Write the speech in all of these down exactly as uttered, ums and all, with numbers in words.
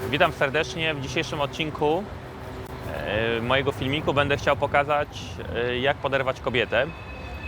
Witam serdecznie. W dzisiejszym odcinku e, mojego filmiku będę chciał pokazać, e, jak poderwać kobietę. E,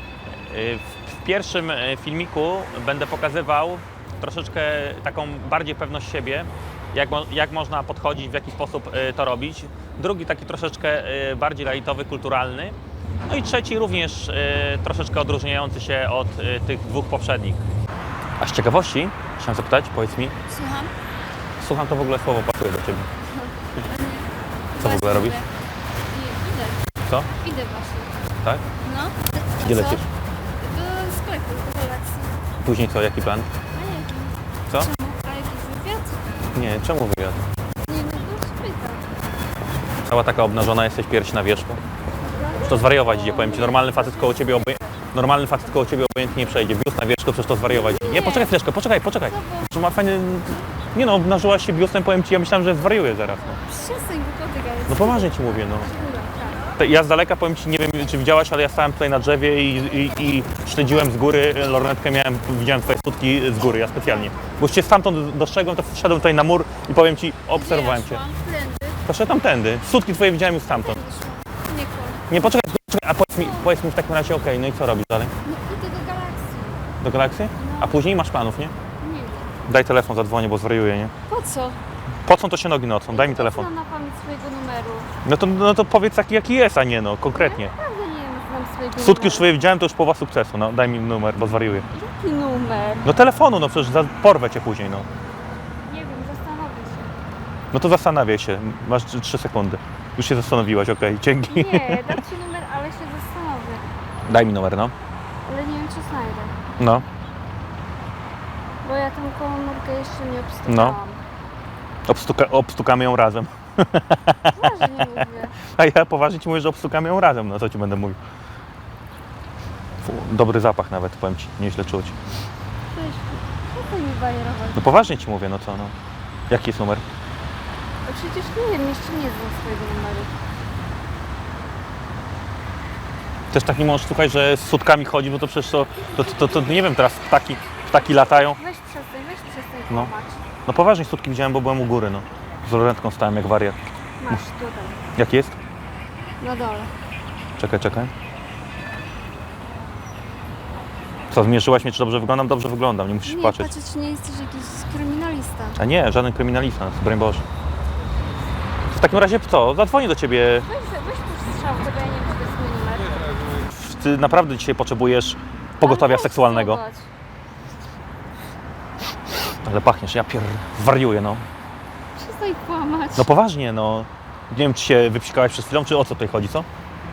w, w pierwszym filmiku będę pokazywał troszeczkę taką bardziej pewność siebie, jak, mo, jak można podchodzić, w jaki sposób e, to robić. Drugi taki troszeczkę e, bardziej lajtowy, kulturalny. No i trzeci również e, troszeczkę odróżniający się od e, tych dwóch poprzednich. A z ciekawości chciałem zapytać, powiedz mi, Słucham? słucham, to w ogóle słowo pasuje do Ciebie. Co w ogóle robisz? Nie, idę. Co? Idę właśnie. Tak? No. A Gdzie co? lecisz? Do sklepu, do relacji. Później co? Jaki plan? A jaki? Co? Czemu? A jakiś wywiad? Nie, czemu wywiad? Nie, no bo się pytam. Cała taka obnażona jesteś, pierś na wierzchu. Już to zwariować idzie, powiem Ci, normalny facet koło Ciebie obej... Normalny facet koło Ciebie obojętnie nie przejdzie. Biust na wierzchu, przecież to zwariować idzie. Nie, Nie. poczekaj chwileczkę, poczekaj, poczekaj. Co, bo Że ma fajny... Nie no, obnażyłaś się biustem, powiem Ci, ja myślałem, że zwariuję zaraz. No, przestań głupoty gadać. no poważnie Ci mówię, no. Dobra, tak. Te- Ja z daleka, powiem Ci, nie wiem czy widziałaś, ale ja stałem tutaj na drzewie i, i, i śledziłem z góry, lornetkę miałem, widziałem Twoje sutki z góry, ja specjalnie. Bo Cię stamtąd dostrzegłem, to wszedłem tutaj na mur i powiem Ci, obserwowałem Ja Cię. szłam tędy. Poszedłem tamtędy, sutki Twoje widziałem już stamtąd. Tędy szłam. Nie kłam. Nie, poczekaj, poczekaj, a powiedz mi, powiedz mi w takim razie, okej, no i co robisz dalej? No idę do galakcji. Do galakcji? A później masz planów, nie? Nie wiem. Daj telefon, zadzwonię, bo zwariuję, nie? Po co? Po co to się nogi nocą? Daj mi telefon. Znam na pamięć swojego numeru. No to, no to powiedz taki, jaki jest, a nie no, konkretnie. Naprawdę nie wiem, znam swojego Sutki już numeru. swoje widziałem, to już połowa sukcesu, no daj mi numer, bo zwariuję. Jaki numer? No telefonu, no przecież za- porwę Cię później, no. Nie wiem, zastanowię się. No to zastanawiaj się, masz trzy- trzy sekundy. Już się zastanowiłaś, okej, dzięki. Nie, dam ci numer, ale się zastanowię. Daj mi numer, no. Ale nie wiem, czy znajdę. No, Bo ja tę komórkę jeszcze nie obstukałam. Obstuka, obstukamy ją razem. Poważnie mówię. A ja poważnie Ci mówię, że obstukamy ją razem, no co Ci będę mówił. Fu, dobry zapach nawet, powiem Ci, nieźle czuć. Weź, przestań mi bajerować. No poważnie Ci mówię, no co, no. Jaki jest numer? No przecież nie wiem, jeszcze nie znam swojego numeru. Też taki mąż, słuchaj, że z sutkami chodzi, bo to przecież to, to, to, to, to nie wiem, teraz ptaki, ptaki latają. Weź przestań, weź przestań No. kłamać. No poważnie sutki widziałem, bo byłem u góry, no. Z lornetką stałem jak wariat. Masz tutaj, Jak jest? na dole. Czekaj, czekaj. Co, zmierzyłaś mnie, czy dobrze wyglądam? Dobrze wyglądam, nie musisz Nie, patrzeć. patrzeć, nie jesteś jakiś kryminalista. A nie, żaden kryminalista, broń Boże. W takim razie co? Zadzwonię do Ciebie. Weź, weź tu strzałkę, bo ja nie wiem, czy to jest mój numer. Ty naprawdę dzisiaj potrzebujesz pogotowia Ale weź seksualnego. zobacz. Ale pachniesz, ja pier... wariuję, no. Przestań kłamać. No poważnie, no. Nie wiem, czy się wypsikałaś przed chwilą, czy o co tutaj chodzi, co?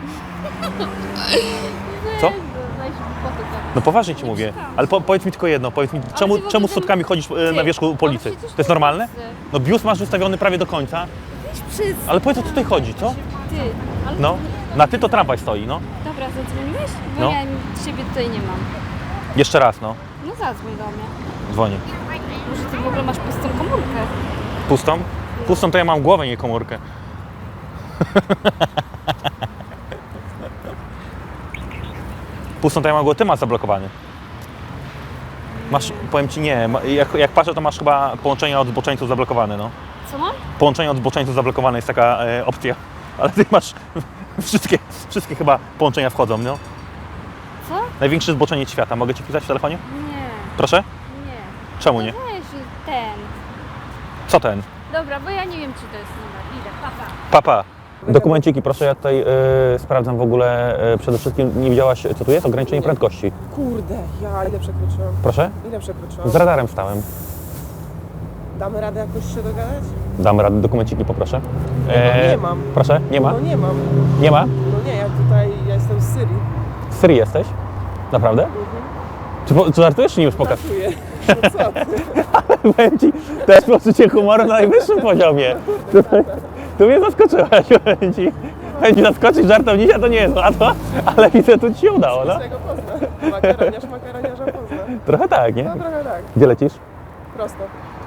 co? Weź, bo weź głupoty gadać. No poważnie Ci Nie mówię. psikałam. Ale po, powiedz mi tylko jedno, powiedz mi, czemu, ty w ogóle czemu z ten- sutkami chodzisz e, na Ty, wierzchu po ulicy? ale przecież To jest to normalne? widzę. No biust masz wystawiony prawie do końca, Weź przestań. ale powiedz, o co tutaj chodzi, co? Ty, ale No, na Ty to tramwaj stoi, no. Dobra, zadzwoniłeś? Bo No. ja ciebie tutaj nie mam. Jeszcze raz, no. No zadzwoń do mnie. Dzwonię. Może ty w ogóle masz pustą komórkę? Pustą? Pustą to ja mam głowę, nie komórkę. Pustą to ja mam głowę, Ty masz zablokowany. Masz, powiem Ci nie, ma- jak, jak patrzę, to masz chyba połączenie od zboczeńców zablokowane, no. Co mam? Połączenie od zboczeńców zablokowane jest taka e, opcja, ale Ty masz wszystkie, wszystkie chyba połączenia wchodzą, no. Co? Największy zboczeniec świata, mogę Ci pisać w telefonie? Nie, Proszę? nie. Czemu nie? Weź ten. Co ten? Dobra, bo ja nie wiem, czy to jest numer. Idę, papa. Papa. Dokumenciki, proszę, ja tutaj e, sprawdzam w ogóle, e, przede wszystkim nie widziałaś, co tu jest? Ograniczenie prędkości. Kurde, ja ile przekroczyłam? Proszę? Ile przekroczyłam? Z radarem stałem. Damy radę jakoś się dogadać? Damy radę, dokumenciki poproszę. No nie mam. Proszę, nie ma? No nie mam. Nie ma? No nie, ja tutaj, ja jestem z Syrii. Z Syrii jesteś? Naprawdę? Mhm. Czy, po- czy żartujesz, czy nie już pokaż? Pracuję. No co ty? Powiem Ci, to jest poczucie humoru na najwyższym poziomie. Tutaj, tu mnie zaskoczyłaś, powiem Ci. Powiem Ci, zaskoczyć żartownika to nie jest łatwo, ale widzę, tu Ci się udało, no. Z tego pozna. Makaroniarz makaroniarza pozna. Trochę tak, nie? No trochę tak. Gdzie lecisz? Prosto.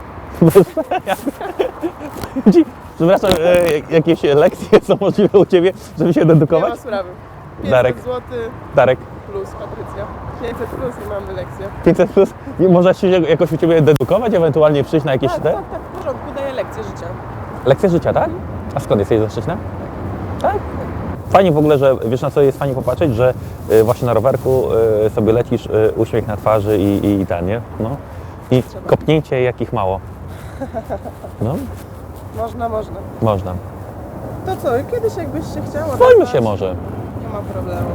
Powiem Ci, przepraszam, e, jakieś lekcje są możliwe u Ciebie, żeby się Nie dedukować? ma sprawy. Darek. pięćset złotych Darek, plus Patrycja. pięćset plus i mamy lekcję. pięćset plus, nie można się jakoś u Ciebie dedukować, ewentualnie przyjść na jakieś Tak, te? tak, tak, w porządku, daję lekcje życia. Lekcja życia, tak? A skąd jesteś ze Szczecina? Tak? Fajnie w ogóle, że wiesz na co jest fajnie popatrzeć, że y, właśnie na rowerku y, sobie lecisz, y, uśmiech na twarzy i, i, i ten, nie? No. I kopnięcie jakich mało. No, Można, można. można. To co, kiedyś jakbyś się chciała... Bojmy nazwać, się może. Nie ma problemu.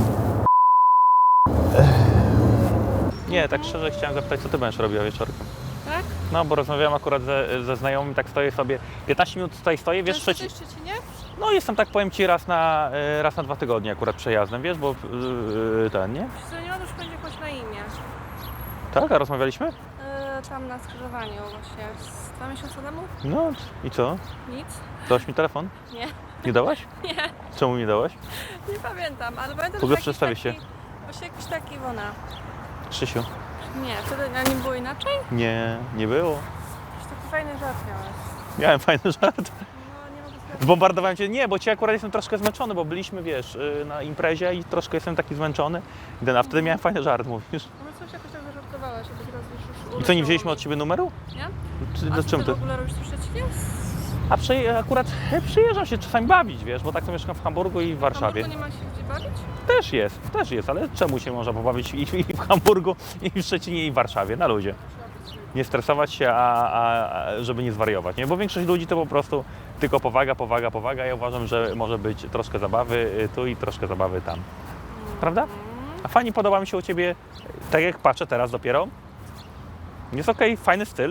Nie, tak szczerze chciałem zapytać, co ty będziesz robiła wieczorkiem? Tak? No, bo rozmawiałem akurat ze, ze znajomym, tak stoję sobie, piętnaście minut tutaj stoję, wiesz, Często Szczecin... w Szczecinie? No jestem, tak powiem Ci, raz na, y, raz na dwa tygodnie akurat przejazdem, wiesz, bo yy, ten, nie? Dzwoniłam już będzie choć na imię. Tak, a rozmawialiśmy? Yy, tam na skrzyżowaniu właśnie z dwa miesiące temu? No i co? Nic. Dałaś mi telefon? Nie. Nie dałaś? Nie, Czemu mi dałaś? nie pamiętam, ale pamiętam, W ogóle że jakiś przedstawię taki, się. Właśnie jakiś taki Iwona. Krzysiu? Nie, wtedy a nie było inaczej? Nie, nie było. Jakiś taki fajny żart miałeś. Miałem fajny żart. No nie mogę sobie... Zbombardowałem Cię, nie, bo Cię akurat jestem troszkę zmęczony, bo byliśmy, wiesz, y, na imprezie i troszkę jestem taki zmęczony. A wtedy miałem fajny żart, mówisz. No coś jakoś tak zażartowałaś, a teraz już już I co, nie wzięliśmy od Ciebie numeru? Nie? Czy, A do co czym ty ty? w ogóle robisz tu w Szczecinie? A przy, akurat e, przyjeżdżam się czasami bawić, wiesz, bo tak to mieszkam w Hamburgu i w Warszawie. W nie ma się gdzie bawić? Też jest, też jest, ale czemu się można pobawić i, i w Hamburgu, i w Szczecinie, i w Warszawie, na luzie. Nie stresować się, a, a, a żeby nie zwariować, nie? Bo większość ludzi to po prostu tylko powaga, powaga, powaga. Ja uważam, że może być troszkę zabawy y, tu i troszkę zabawy tam. Prawda? A fajnie podoba mi się u Ciebie, tak jak patrzę teraz dopiero. Jest okej, fajny styl,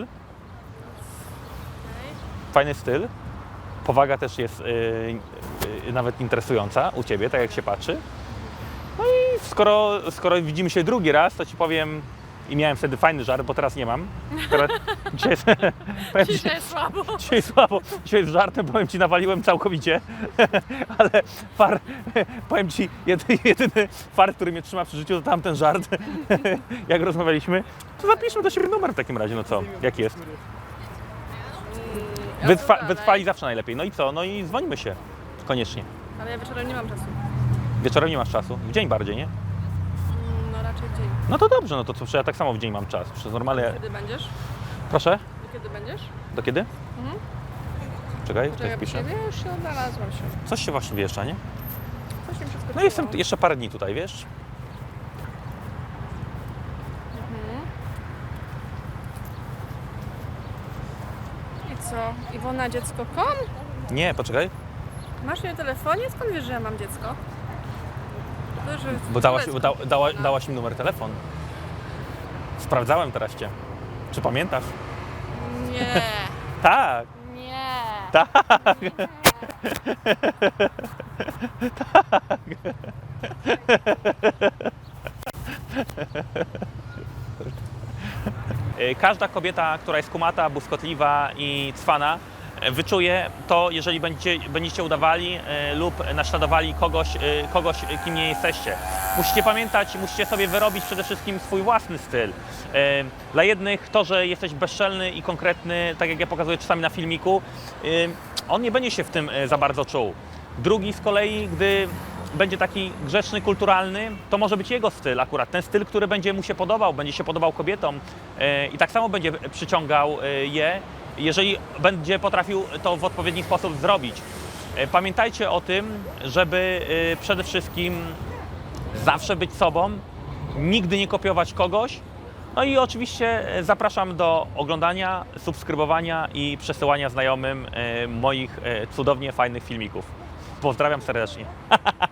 fajny styl. Powaga też jest y, y, nawet interesująca u Ciebie, tak jak się patrzy. No i skoro, skoro widzimy się drugi raz, to Ci powiem, i miałem wtedy fajny żart, bo teraz nie mam. Teraz, dzisiaj, jest, powiem ci, Dzisiaj jest słabo. dzisiaj słabo, dzisiaj z żartem, powiem Ci, nawaliłem całkowicie, ale far, powiem Ci, jedyny, jedyny far, który mnie trzyma przy życiu, to tamten żart, jak rozmawialiśmy. To zapiszmy do siebie numer w takim razie, no co, jaki jest? Wytrwa, wytrwali zawsze najlepiej. No i co? No i dzwonimy się. Koniecznie. Ale ja wieczorem nie mam czasu. Wieczorem nie masz czasu. W dzień bardziej, nie? Mm, No raczej dzień. No to dobrze, no to co, przecież ja tak samo w dzień mam czas. Przez normalnie... Kiedy będziesz? Proszę? Do kiedy będziesz? Do kiedy? Mhm. Czekaj, Poczekaj, coś piszę. ciebie już się odnalazłam się. Coś się właśnie wyjeżdża, nie? Coś mi przeskoczyło. No jestem jeszcze parę dni tutaj, wiesz? Mhm. I co? Iwona dziecko kropka com? Nie, poczekaj. Masz mnie w telefonie? Skąd wiesz, że ja mam dziecko? To, że Bo dałaś, dziecko. da, dała, dałaś mi numer telefon. Sprawdzałem teraz Cię. Czy pamiętasz? Nie. Tak. Nie. Tak. Każda kobieta, która jest kumata, błyskotliwa i cwana, wyczuje to, jeżeli będziecie, będziecie udawali e, lub naśladowali kogoś, e, kogoś, kim nie jesteście. Musicie pamiętać, musicie sobie wyrobić przede wszystkim swój własny styl. E, dla jednych to, że jesteś bezczelny i konkretny, tak jak ja pokazuję czasami na filmiku, e, on nie będzie się w tym e, za bardzo czuł. Drugi z kolei, gdy będzie taki grzeczny, kulturalny, to może być jego styl akurat. Ten styl, który będzie mu się podobał, będzie się podobał kobietom e, i tak samo będzie przyciągał e, je, jeżeli będzie potrafił to w odpowiedni sposób zrobić. E, pamiętajcie o tym, żeby e, przede wszystkim zawsze być sobą, nigdy nie kopiować kogoś. No i oczywiście e, zapraszam do oglądania, subskrybowania i przesyłania znajomym e, moich e, cudownie fajnych filmików. Pozdrawiam serdecznie.